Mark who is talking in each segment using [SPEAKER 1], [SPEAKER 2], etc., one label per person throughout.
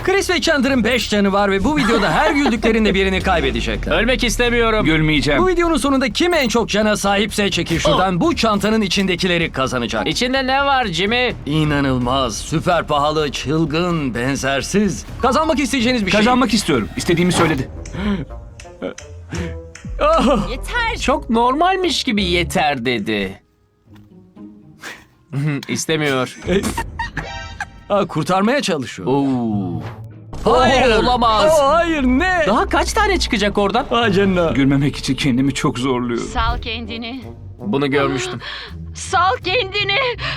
[SPEAKER 1] Chris ve Chandler'ın 5 canı var ve bu videoda her güldüklerinde birini kaybedecekler.
[SPEAKER 2] Ölmek istemiyorum.
[SPEAKER 3] Gülmeyeceğim.
[SPEAKER 1] Bu videonun sonunda kim en çok cana sahipse çekil şuradan bu çantanın içindekileri kazanacak.
[SPEAKER 2] İçinde ne var Jimmy?
[SPEAKER 1] İnanılmaz, süper pahalı, çılgın, benzersiz. Kazanmak isteyeceğiniz bir şey.
[SPEAKER 3] Kazanmak istiyorum. İstediğimi söyledi.
[SPEAKER 4] Yeter.
[SPEAKER 2] Çok normalmiş gibi yeter dedi. İstemiyor.
[SPEAKER 1] Kurtarmaya çalışıyor.
[SPEAKER 2] Oo.
[SPEAKER 1] Hayır.
[SPEAKER 2] Olamaz.
[SPEAKER 1] Hayır, ne?
[SPEAKER 2] Daha kaç tane çıkacak oradan?
[SPEAKER 1] Vay canına.
[SPEAKER 3] Gülmemek için kendimi çok zorluyorum.
[SPEAKER 4] Sal kendini.
[SPEAKER 2] Bunu görmüştüm.
[SPEAKER 4] Sal kendini.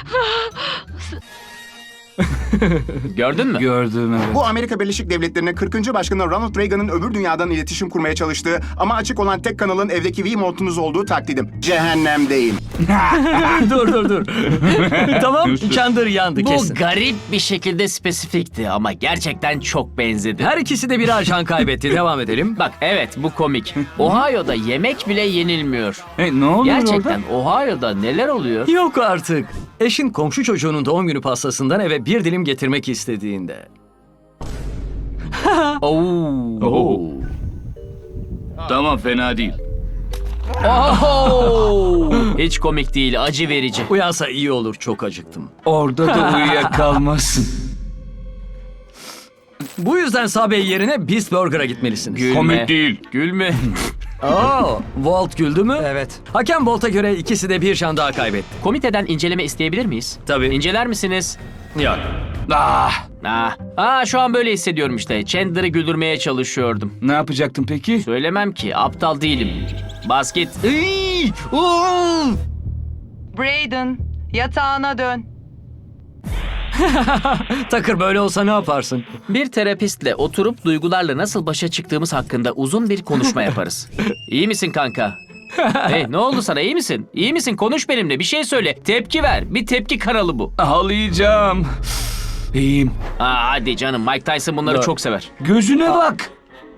[SPEAKER 2] Gördün mü?
[SPEAKER 3] Gördüm evet.
[SPEAKER 5] Bu Amerika Birleşik Devletleri'nin 40. Başkanı Ronald Reagan'ın öbür dünyadan iletişim kurmaya çalıştığı ama açık olan tek kanalın evdeki V-Mod'unuz olduğu taklidim. Cehennemdeyim.
[SPEAKER 1] dur. Tamam, Chandler yandı
[SPEAKER 2] Bu
[SPEAKER 1] kesin.
[SPEAKER 2] garip bir şekilde spesifikti ama gerçekten çok benzedi.
[SPEAKER 1] Her ikisi de birer can kaybetti. Devam edelim.
[SPEAKER 2] Bak evet bu komik. Ohio'da yemek bile yenilmiyor.
[SPEAKER 3] Ne oluyor
[SPEAKER 2] Gerçekten
[SPEAKER 3] orada?
[SPEAKER 2] Ohio'da neler oluyor?
[SPEAKER 1] Yok artık. Eşin komşu çocuğunun doğum günü pastasından eve bir dilim getirmek istediğinde.
[SPEAKER 2] Oo.
[SPEAKER 3] Tamam fena değil.
[SPEAKER 2] Oho! Hiç komik değil, acı verici.
[SPEAKER 1] Uyansa iyi olur, çok acıktım.
[SPEAKER 3] Orada da uyuyakalmasın.
[SPEAKER 1] Bu yüzden Subway yerine Beast Burger'a gitmelisiniz.
[SPEAKER 2] Gülme.
[SPEAKER 3] Komik değil.
[SPEAKER 2] Gülme.
[SPEAKER 1] Oo, Walt güldü mü?
[SPEAKER 6] Evet.
[SPEAKER 1] Hakem Walt'a göre ikisi de bir can daha kaybetti.
[SPEAKER 2] Komiteden inceleme isteyebilir miyiz?
[SPEAKER 1] Tabii.
[SPEAKER 2] İnceler misiniz?
[SPEAKER 1] Yok.
[SPEAKER 2] Şu an böyle hissediyorum işte. Chandler'ı güldürmeye çalışıyordum.
[SPEAKER 3] Ne yapacaktın peki?
[SPEAKER 2] Söylemem ki, aptal değilim. Basket.
[SPEAKER 7] Brayden, yatağına dön.
[SPEAKER 1] Takır böyle olsa ne yaparsın?
[SPEAKER 2] Bir terapistle oturup duygularla nasıl başa çıktığımız hakkında uzun bir konuşma yaparız. İyi misin kanka? Hey ne oldu sana, iyi misin? İyi misin? Konuş benimle, bir şey söyle. Tepki ver. Bir tepki kanalı bu.
[SPEAKER 3] Ağlayacağım. İyiyim.
[SPEAKER 2] Hadi canım, Mike Tyson bunları
[SPEAKER 1] Dur.
[SPEAKER 2] çok sever.
[SPEAKER 3] Gözüne bak.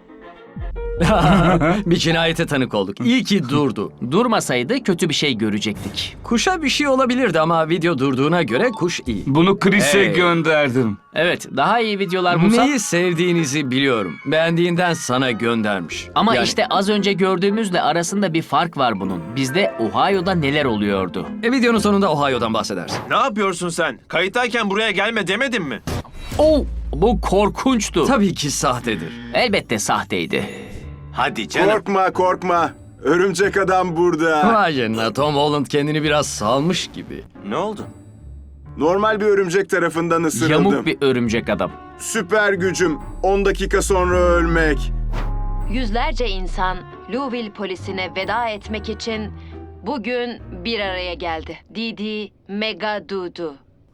[SPEAKER 1] Bir cinayete tanık olduk. İyi ki durdu.
[SPEAKER 2] Durmasaydı kötü bir şey görecektik.
[SPEAKER 1] Kuşa bir şey olabilirdi ama video durduğuna göre kuş iyi.
[SPEAKER 3] Bunu Chris'e
[SPEAKER 1] Hey.
[SPEAKER 3] gönderdim.
[SPEAKER 2] Evet, daha iyi videolar bulsam...
[SPEAKER 1] Neyi sevdiğinizi biliyorum. Beğendiğinden sana göndermiş.
[SPEAKER 2] Ama
[SPEAKER 1] Yani,
[SPEAKER 2] işte az önce gördüğümüzle arasında bir fark var bunun. Bizde Ohio'da neler oluyordu?
[SPEAKER 1] videonun sonunda Ohio'dan bahsedersin.
[SPEAKER 8] Ne yapıyorsun sen? Kayıttayken buraya gelme demedim mi?
[SPEAKER 2] Bu korkunçtu.
[SPEAKER 1] Tabii ki sahtedir.
[SPEAKER 2] Elbette sahteydi.
[SPEAKER 8] Hadi canım.
[SPEAKER 5] Korkma. Örümcek adam burada.
[SPEAKER 1] Vay canına, Tom Holland kendini biraz salmış gibi.
[SPEAKER 8] Ne oldu?
[SPEAKER 5] Normal bir örümcek tarafından ısırıldım.
[SPEAKER 2] Yamuk bir örümcek adam.
[SPEAKER 5] Süper gücüm. 10 dakika sonra ölmek.
[SPEAKER 4] Yüzlerce insan Louisville polisine veda etmek için bugün bir araya geldi. Didi Megadudu.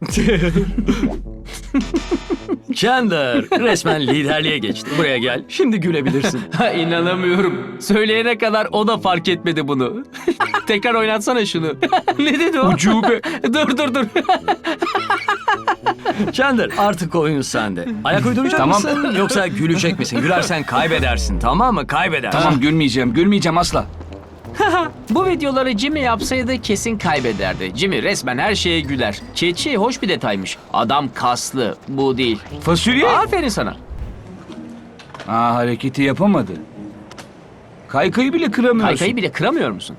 [SPEAKER 1] Chandler resmen liderliğe geçti. Buraya gel. Şimdi gülebilirsin.
[SPEAKER 2] İnanamıyorum. Söyleyene kadar o da fark etmedi bunu. Tekrar oynatsana şunu. Ne dedi o?
[SPEAKER 3] Ucube.
[SPEAKER 2] Dur.
[SPEAKER 1] Chandler artık oyun sende. Ayak uyduracak
[SPEAKER 3] Tamam.
[SPEAKER 1] mısın yoksa gülecek misin? Gülersen kaybedersin, tamam mı? Kaybedersin.
[SPEAKER 3] Tamam gülmeyeceğim asla.
[SPEAKER 2] Bu videoları Jimmy yapsaydı kesin kaybederdi. Jimmy resmen her şeye güler. Keçi hoş bir detaymış. Adam kaslı, bu değil.
[SPEAKER 3] Fasulye.
[SPEAKER 2] Aferin sana.
[SPEAKER 3] Hareketi yapamadı. Kaykayı bile kıramıyorsun.
[SPEAKER 2] Kaykayı bile kıramıyor musun?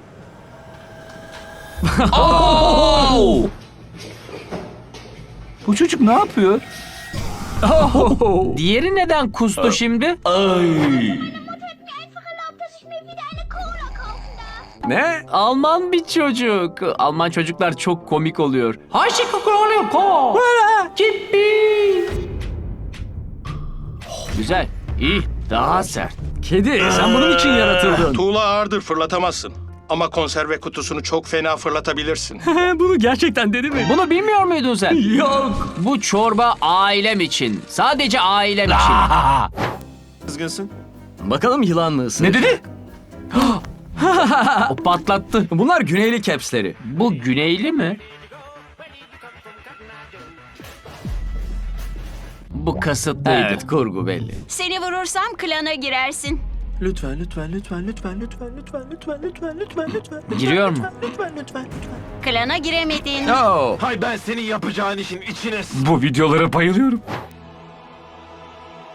[SPEAKER 3] Bu çocuk ne yapıyor?
[SPEAKER 2] Diğeri neden kustu şimdi?
[SPEAKER 1] Ne?
[SPEAKER 2] Alman bir çocuk. Alman çocuklar çok komik oluyor. Güzel, iyi, daha sert.
[SPEAKER 1] Kedi, sen bunun için yaratıldın.
[SPEAKER 8] Tuğla ağırdır, fırlatamazsın. Ama konserve kutusunu çok fena fırlatabilirsin.
[SPEAKER 1] Bunu gerçekten dedi mi?
[SPEAKER 2] Bunu bilmiyor muydun sen?
[SPEAKER 1] Yok.
[SPEAKER 2] Bu çorba ailem için. Sadece ailem için.
[SPEAKER 8] Kızgınsın.
[SPEAKER 1] Bakalım yılan mı ısırır?
[SPEAKER 3] Ne dedi?
[SPEAKER 2] O patlattı.
[SPEAKER 1] Bunlar güneyli capsleri.
[SPEAKER 2] Bu güneyli mi? Bu kasıtlıydı.
[SPEAKER 1] Evet, kurgu belli.
[SPEAKER 4] Seni vurursam klana girersin.
[SPEAKER 8] Lütfen.
[SPEAKER 2] Giriyor mu?
[SPEAKER 4] Klana giremedin.
[SPEAKER 1] Oh.
[SPEAKER 8] Hay ben senin yapacağın işin içine
[SPEAKER 3] Bu videolara bayılıyorum.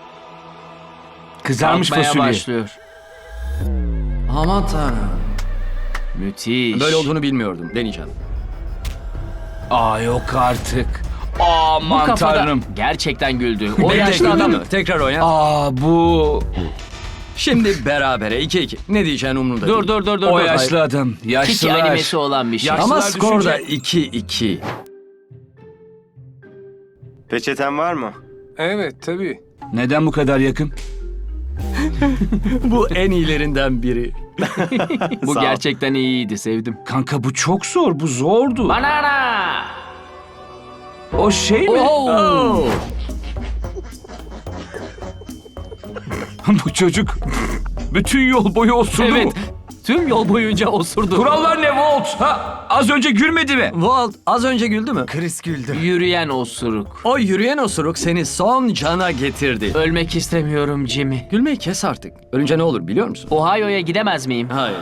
[SPEAKER 3] Kızarmış
[SPEAKER 2] Kalkmaya
[SPEAKER 3] fasulye.
[SPEAKER 2] başlıyor.
[SPEAKER 1] Aman tanrım.
[SPEAKER 2] Müthiş.
[SPEAKER 1] Böyle olduğunu bilmiyordum. Deneyeceğim.
[SPEAKER 3] Aa yok artık.
[SPEAKER 2] Bu
[SPEAKER 3] Aman
[SPEAKER 2] kafada
[SPEAKER 3] tanrım.
[SPEAKER 2] gerçekten güldü. O
[SPEAKER 1] Bekle,
[SPEAKER 2] yaşlı
[SPEAKER 1] güldün
[SPEAKER 2] adam
[SPEAKER 1] mü? Tekrar oyna.
[SPEAKER 3] Aa bu...
[SPEAKER 1] Şimdi berabere 2-2. Ne diyeceğin umurumda
[SPEAKER 2] Dur
[SPEAKER 1] değil.
[SPEAKER 2] dur dur dur.
[SPEAKER 3] O
[SPEAKER 2] dur.
[SPEAKER 3] yaşlı adam.
[SPEAKER 2] Tiki
[SPEAKER 3] Yaşlılar.
[SPEAKER 2] animesi olan bir şey.
[SPEAKER 3] Yaş-
[SPEAKER 1] Ama
[SPEAKER 3] Yaşlılar
[SPEAKER 1] skor da
[SPEAKER 3] düşünce-
[SPEAKER 1] 2-2.
[SPEAKER 6] Peçeten var mı?
[SPEAKER 9] Evet tabii.
[SPEAKER 3] Neden bu kadar yakın?
[SPEAKER 1] Bu en iyilerinden biri.
[SPEAKER 2] Bu
[SPEAKER 6] Sağ ol.
[SPEAKER 2] gerçekten iyiydi. Sevdim.
[SPEAKER 3] Kanka bu çok zor. Bu zordu.
[SPEAKER 2] Banana.
[SPEAKER 3] O şey mi?
[SPEAKER 2] Oh.
[SPEAKER 3] Bu çocuk bütün yol boyu osurdu
[SPEAKER 2] Evet.
[SPEAKER 3] mu?
[SPEAKER 2] Tüm yol boyunca osurdu.
[SPEAKER 3] Kurallar ne Walt? Ha, az önce gülmedi mi?
[SPEAKER 1] Walt az önce güldü mü?
[SPEAKER 6] Chris güldü.
[SPEAKER 2] Yürüyen osuruk.
[SPEAKER 1] O yürüyen osuruk seni son cana getirdi.
[SPEAKER 2] Ölmek istemiyorum Jimmy.
[SPEAKER 1] Gülmeyi kes artık. Ölünce ne olur biliyor musun?
[SPEAKER 2] Ohio'ya gidemez miyim?
[SPEAKER 1] Hayır.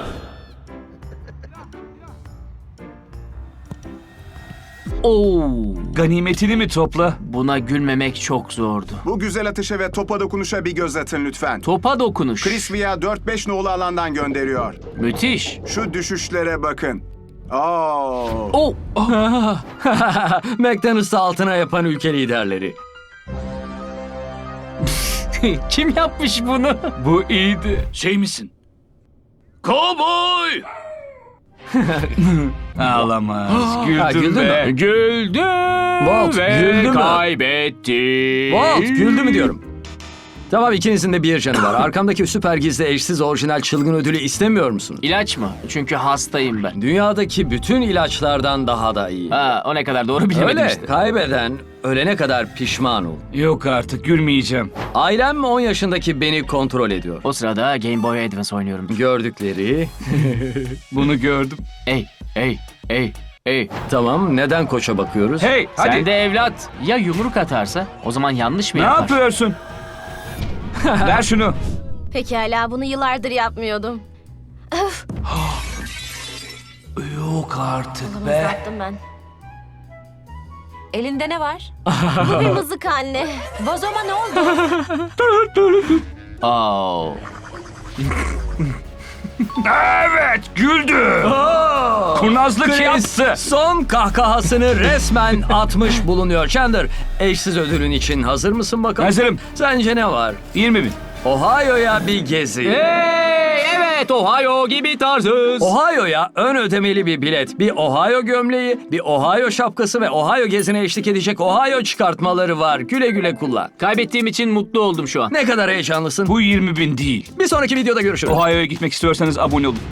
[SPEAKER 2] Oo.
[SPEAKER 3] Ganimetini mi topla?
[SPEAKER 2] Buna gülmemek çok zordu.
[SPEAKER 5] Bu güzel atışa ve topa dokunuşa bir göz atın lütfen.
[SPEAKER 2] Topa dokunuş.
[SPEAKER 5] Chris Via 4-5 nolu alandan gönderiyor.
[SPEAKER 2] Müthiş.
[SPEAKER 5] Şu düşüşlere bakın. Oo.
[SPEAKER 2] Oh.
[SPEAKER 1] McDonald's'ı altına yapan ülke liderleri.
[SPEAKER 2] Kim yapmış bunu?
[SPEAKER 3] Bu iyiydi. Şey misin? Cowboy! Ağlamaz. Güldüm
[SPEAKER 1] Ha, güldün
[SPEAKER 3] be.
[SPEAKER 1] mü?
[SPEAKER 2] Güldü
[SPEAKER 1] Walt, güldü mü?
[SPEAKER 2] kaybetti.
[SPEAKER 1] Walt güldü mü diyorum. Tamam ikinizin de bir canı var. Arkamdaki süper gizli eşsiz orijinal çılgın ödülü istemiyor musun?
[SPEAKER 2] İlaç mı? Çünkü hastayım ben.
[SPEAKER 1] Dünyadaki bütün ilaçlardan daha da iyi.
[SPEAKER 2] Ha, o ne kadar doğru bilemedim
[SPEAKER 1] Öyle.
[SPEAKER 2] işte.
[SPEAKER 1] Kaybeden ölene kadar pişman ol.
[SPEAKER 3] Yok artık gülmeyeceğim.
[SPEAKER 1] Ailem 10 yaşındaki beni kontrol ediyor.
[SPEAKER 2] O sırada Game Boy Advance oynuyorum.
[SPEAKER 1] Gördükleri...
[SPEAKER 3] Bunu gördüm.
[SPEAKER 2] Ey.
[SPEAKER 1] Tamam neden koça bakıyoruz?
[SPEAKER 3] Hey hadi.
[SPEAKER 2] Sen de evlat. Ya yumruk atarsa? O zaman yanlış mı
[SPEAKER 3] Ne
[SPEAKER 2] yapar?
[SPEAKER 3] yapıyorsun? Ver şunu.
[SPEAKER 10] Pekala bunu yıllardır yapmıyordum.
[SPEAKER 3] Yok artık
[SPEAKER 10] Olamaz
[SPEAKER 3] be.
[SPEAKER 10] yaptım ben.
[SPEAKER 4] Elinde ne var?
[SPEAKER 10] Bu bir mızık anne.
[SPEAKER 4] Vazoma ne oldu?
[SPEAKER 2] Oh.
[SPEAKER 3] Evet güldü. Kurnazlık
[SPEAKER 1] Chris
[SPEAKER 3] yaptı.
[SPEAKER 1] son kahkahasını resmen atmış bulunuyor. Chandler, eşsiz ödülün için hazır mısın bakalım?
[SPEAKER 3] Hazırım.
[SPEAKER 1] Sence ne var?
[SPEAKER 3] 20 bin.
[SPEAKER 1] Ohio'ya bir gezi.
[SPEAKER 2] Evet Ohio gibi tarzız.
[SPEAKER 1] Ohio'ya ön ödemeli bir bilet, bir Ohio gömleği, bir Ohio şapkası ve Ohio gezine eşlik edecek Ohio çıkartmaları var. Güle güle kullan.
[SPEAKER 2] Kaybettiğim için mutlu oldum şu an.
[SPEAKER 1] Ne kadar heyecanlısın.
[SPEAKER 3] Bu 20 bin değil.
[SPEAKER 1] Bir sonraki videoda görüşürüz.
[SPEAKER 3] Ohio'ya gitmek istiyorsanız abone olun.